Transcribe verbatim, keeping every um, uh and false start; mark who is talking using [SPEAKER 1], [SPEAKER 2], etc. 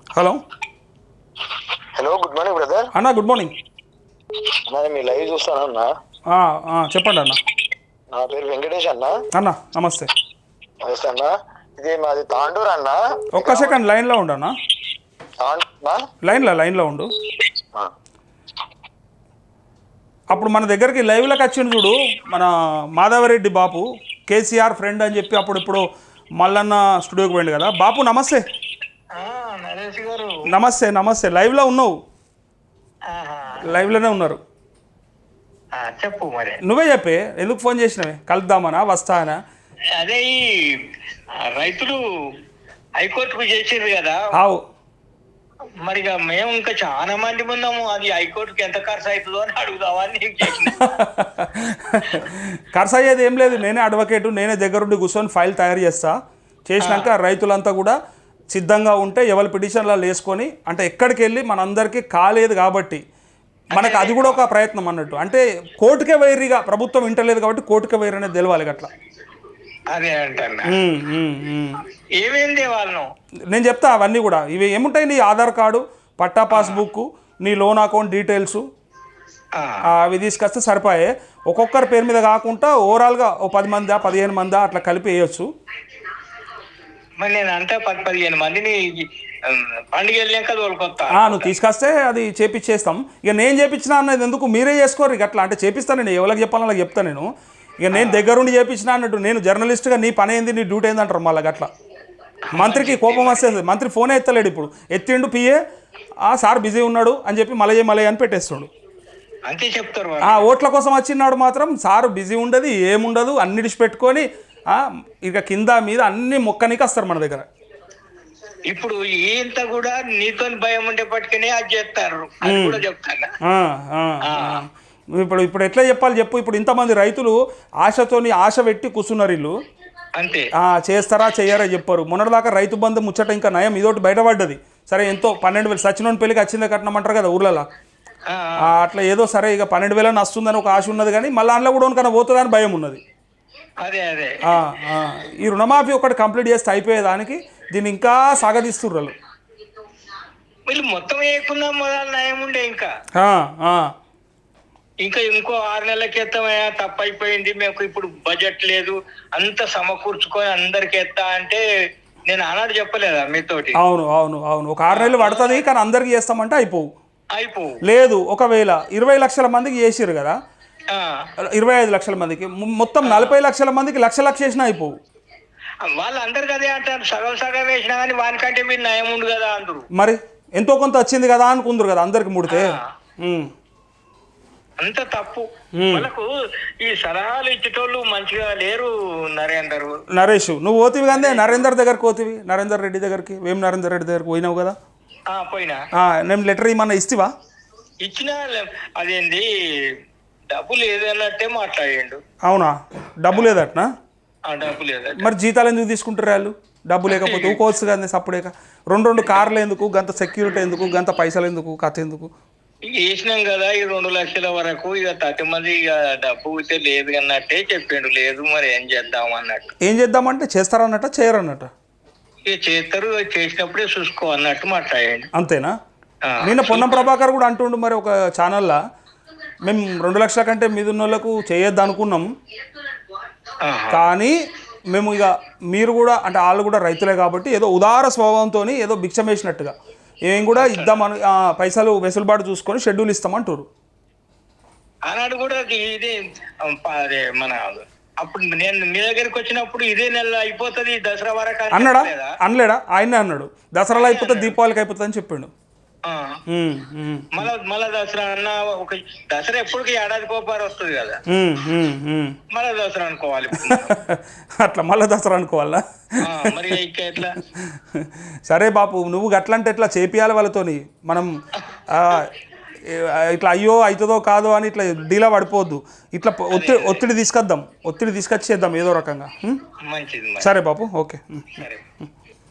[SPEAKER 1] Hello
[SPEAKER 2] hello good morning brother.
[SPEAKER 1] అన్న good morning.
[SPEAKER 2] అన్న మీ లైవ్ చూస్తాను అన్న.
[SPEAKER 1] ఆ, ఆ, చెప్పండి అన్న.
[SPEAKER 2] నా పేరు వెంకటేష్ అన్న.
[SPEAKER 1] అన్న నమస్తే.
[SPEAKER 2] నమస్తే అన్న. ఇది మాది తాండూరు అన్న.
[SPEAKER 1] ఒక్క సెకండ్ లైన్లో ఉండు అన్న.
[SPEAKER 2] తాండూరా?
[SPEAKER 1] లైన్లో లైన్లో ఉండు.
[SPEAKER 2] ఆ.
[SPEAKER 1] అప్పుడు మన దగ్గరికి లైవ్లోకి వచ్చిండు చూడు మన మాధవరెడ్డి బాపు, కేసీఆర్ ఫ్రెండ్ అని చెప్పి అప్పుడు ఇప్పుడు మల్లన్న స్టూడియోకి పోయిండు కదా. బాపు నమస్తే.
[SPEAKER 2] ఆ, నరేష్ గారు
[SPEAKER 1] నమస్తే నమస్తే. లైవ్లో ఉన్నావు?
[SPEAKER 2] ఆహా.
[SPEAKER 1] లైవ్లోనే ఉన్నారు.
[SPEAKER 2] ఆ, చెప్పు మరి.
[SPEAKER 1] నువ్వే చెప్పే, ఎందుకు ఫోన్ చేసినవే? కలుద్దామనా వస్తానా?
[SPEAKER 2] అదే ఈ ఆ, రైతులు హైకోర్టుకు చేసిండ్రు కదా.
[SPEAKER 1] ఆవు
[SPEAKER 2] మరి ఇక మేము ఇంకా చాలా మంది ఉన్నాము. అది హైకోర్టుకి ఎంత ఖర్చు అవుతుందో అని అడుగుదామని నీకు చేసిన.
[SPEAKER 1] ఖర్చు అయ్యేది ఏం లేదు. నేనే అడ్వకేటు, నేనే దగ్గరుండి కూర్చొని ఫైల్ తయారు చేస్తా. చేసినాక రైతులంతా కూడా సిద్ధంగా ఉంటే ఎవరి పిటిషన్లలో వేసుకొని, అంటే ఎక్కడికి వెళ్ళి మనందరికీ కాలేదు కాబట్టి మనకు అది కూడా ఒక ప్రయత్నం అన్నట్టు. అంటే కోర్టుకే వైరిగా ప్రభుత్వం వింటలేదు కాబట్టి కోర్టుకే వైరు అనేది తెలవాలి అట్లా.
[SPEAKER 2] అదే అంటన్నా.
[SPEAKER 1] ఉమ్, ఉమ్, ఉమ్.
[SPEAKER 2] ఏమేంది వాళ్ళను
[SPEAKER 1] నేను చెప్తా అవన్నీ కూడా. ఇవి ఏముంటాయి, నీ ఆధార్ కార్డు, పట్టా పాస్బుక్, నీ లోన్ అకౌంట్ డీటెయిల్స్, అవి తీసుకొస్తే సరిపోయే. ఒక్కొక్కరి పేరు మీద కాకుండా ఓవరాల్గా ఓ పది మందా పదిహేను మందా అట్లా కలిపి వేయచ్చు.
[SPEAKER 2] మరి నేను అంటే పది పదిహేను మందిని పండుగ వెళ్ళాక తోలుకొస్తా.
[SPEAKER 1] నువ్వు తీసుకొస్తే అది చేపిచ్చేస్తాం. ఇక నేను చేపించిన అన్నది ఎందుకు, మీరే చేసుకోరు ఇక అట్లా. అంటే చేపిస్తాను నేను, ఎవరికి చెప్పాలని వాళ్ళకి చెప్తాను నేను. ఇక నేను దగ్గరుండి చేపించిన అన్నట్టు, నేను జర్నలిస్ట్గా నీ పని ఏంది, నీ డ్యూటీ ఏంది అంటారు మళ్ళీ అట్లా. మంత్రికి కోపం వస్తుంది. మంత్రి ఫోనే ఎత్తలేడు. ఇప్పుడు ఎత్తిండు పిఏ, ఆ సార్ బిజీ ఉన్నాడు అని చెప్పి మలయ మలయ అని పెట్టేస్తాడు.
[SPEAKER 2] అంతే చెప్తారు.
[SPEAKER 1] ఆ ఓట్ల కోసం వచ్చినాడు మాత్రం సారు బిజీ ఉండదు, ఏముండదు, అన్నిటిసి పెట్టుకొని ఇక కింద మీద అన్ని మొక్కనికి వస్తారు మన దగ్గర.
[SPEAKER 2] ఇప్పుడు ఇంత కూడా నీతో భయం ఉండే పట్టుకునే అది చేస్తారు. అది కూడా చెప్తాను.
[SPEAKER 1] ఇప్పుడు ఇప్పుడు ఎట్లా చెప్పాలి చెప్పు. ఇప్పుడు ఇంతమంది రైతులు ఆశతోని ఆశ పెట్టి కూర్చున్నారు వీళ్ళు.
[SPEAKER 2] అంతే
[SPEAKER 1] చేస్తారా చెయ్యారా చెప్పారు. మొన్నటిదాకా రైతు బంధు ముచ్చట ఇంకా నయం, ఇదోటి బయటపడ్డది. సరే ఎంతో పన్నెండు వేలు సచినోని పెళ్ళికి వచ్చిందే కట్నమంటారు కదా ఊర్లలో. అట్లా ఏదో సరే ఇక పన్నెండు వేలని వస్తుందని ఒక ఆశ ఉన్నది, కానీ మళ్ళీ అందులో కూడా కన్నా పోతుందని భయం ఉన్నది.
[SPEAKER 2] అదే అదే
[SPEAKER 1] ఈ రుణమాఫీ ఒకటి కంప్లీట్ చేస్తే అయిపోయేదానికి దీన్ని ఇంకా సాగదీస్తుర్రు.
[SPEAKER 2] వీళ్ళు మొత్తం వేయకుండా మొదలు నయం ఉండే. ఇంకా ఇంకా ఇంకో ఆరు నెలల క్రితమయ్యా తప్పైపోయింది, మేము ఇప్పుడు బడ్జెట్ లేదు, అంత సమకూర్చుకొని అందరికి ఎత్తా అంటే నేను ఆనాడు చెప్పలేదా మీతోటి?
[SPEAKER 1] అవును అవును అవును ఒక ఆరు నెలలు పడుతుంది, కానీ అందరికి చేస్తామంటే అయిపోవు
[SPEAKER 2] అయిపోవు
[SPEAKER 1] లేదు. ఒకవేళ ఇరవై లక్షల మందికి చేసిరు కదా, ఇరవై ఐదు లక్షల మందికి, మొత్తం నలభై లక్షల మందికి లక్ష లక్ష చేసినా అయిపోవు.
[SPEAKER 2] వాళ్ళందరు కదే అంటారు, సగం సగం వేసినా కానీ వానికంటే మీరు నయం ఉండు కదా అందరు.
[SPEAKER 1] మరి ఎంతో కొంత వచ్చింది కదా అనుకుందరు కదా అందరికి ముడితే.
[SPEAKER 2] అంత తప్పు. మనకు ఈ సలహాలు ఇచ్చేటోళ్ళు మంచిగా లేరు. నరేందర్
[SPEAKER 1] నరేష్ నువ్వు పోతివి కానీ నరేందర్ దగ్గరకు పోతివి, నరేందర్ రెడ్డి దగ్గరికి, వేం నరేందర్ రెడ్డి దగ్గరకు పోయినావు కదా.
[SPEAKER 2] పోయినా
[SPEAKER 1] నేను లెటర్ ఇమ్మన్నా ఇస్తివా?
[SPEAKER 2] ఇచ్చినా అదేంది డబ్బు లేదన్నట్టే మాట్లాడిండు.
[SPEAKER 1] అవునా? డబ్బు లేదట్నా?
[SPEAKER 2] డబ్బు లేదట.
[SPEAKER 1] మరి జీతాలు ఎందుకు తీసుకుంటారు వాళ్ళు? డబ్బు లేకపోతే ఊకోవచ్చు కదా సప్పుడేక. రెండు రెండు కార్లు ఎందుకు, గంత సెక్యూరిటీ ఎందుకు, గంత పైసలు ఎందుకు, కథ ఎందుకు?
[SPEAKER 2] ఇక వేసినాం కదా ఈ రెండు లక్షల వరకు, ఇక తట్టి మంది ఇక డబ్బు అయితే లేదు అన్నట్టే చెప్పిండు. లేదు మరి ఏం చేద్దాం అన్నట్టు.
[SPEAKER 1] ఏం చేద్దామంటే చేస్తారన్నట్ట చేయరన్నట్ట?
[SPEAKER 2] ఇక చేస్తారు, చేసినప్పుడే చూసుకో అన్నట్టు మాట్లాడండి.
[SPEAKER 1] అంతేనా? నిన్న పొన్నం ప్రభాకర్ కూడా అంటుండు మరి ఒక ఛానల్లో, మేము రెండు లక్షల కంటే మీద ఉన్న వాళ్ళకు చేయొద్దు అనుకున్నాం, కానీ మేము ఇక మీరు కూడా అంటే వాళ్ళు కూడా రైతులే కాబట్టి ఏదో ఉదార స్వభావంతో ఏదో భిక్షం వేసినట్టుగా ఏం కూడా ఇద్దామని పైసలు వెసులుబాటు చూసుకొని షెడ్యూల్ ఇస్తామంటారు.
[SPEAKER 2] ఆనాడు కూడా ఇదే అదే మన అప్పుడు నేను మీ దగ్గరికి వచ్చినప్పుడు ఇదే నెల అయిపోతుంది దసరా వరకు
[SPEAKER 1] అన్నాడా? అనలేడా? ఆయనే అన్నాడు దసరాలో అయిపోతుంది, దీపావళికి అయిపోతుంది అని చెప్పిండు.
[SPEAKER 2] మళ్ళా మళ్ళా దసరా అన్న ఒక దసరా ఎప్పటికీ ఏడాది కోపారు వస్తుంది కదా, మళ్ళా దసరా అనుకోవాలి.
[SPEAKER 1] అట్లా మళ్ళా దసరా అనుకోవాలా?
[SPEAKER 2] మరి ఎట్లా?
[SPEAKER 1] సరే బాపు, నువ్వు గట్లంటే ఎట్లా చేపియాలి వాళ్ళతోని. మనం ఇట్లా అయ్యో అవుతుందో కాదో అని ఇట్లా డీలా పడిపోవద్దు. ఇట్లా ఒత్తిడి ఒత్తిడి తీసుకొద్దాం, ఒత్తిడి తీసుకొచ్చేద్దాం ఏదో రకంగా.
[SPEAKER 2] మంచిది.
[SPEAKER 1] సరే బాపు, ఓకే.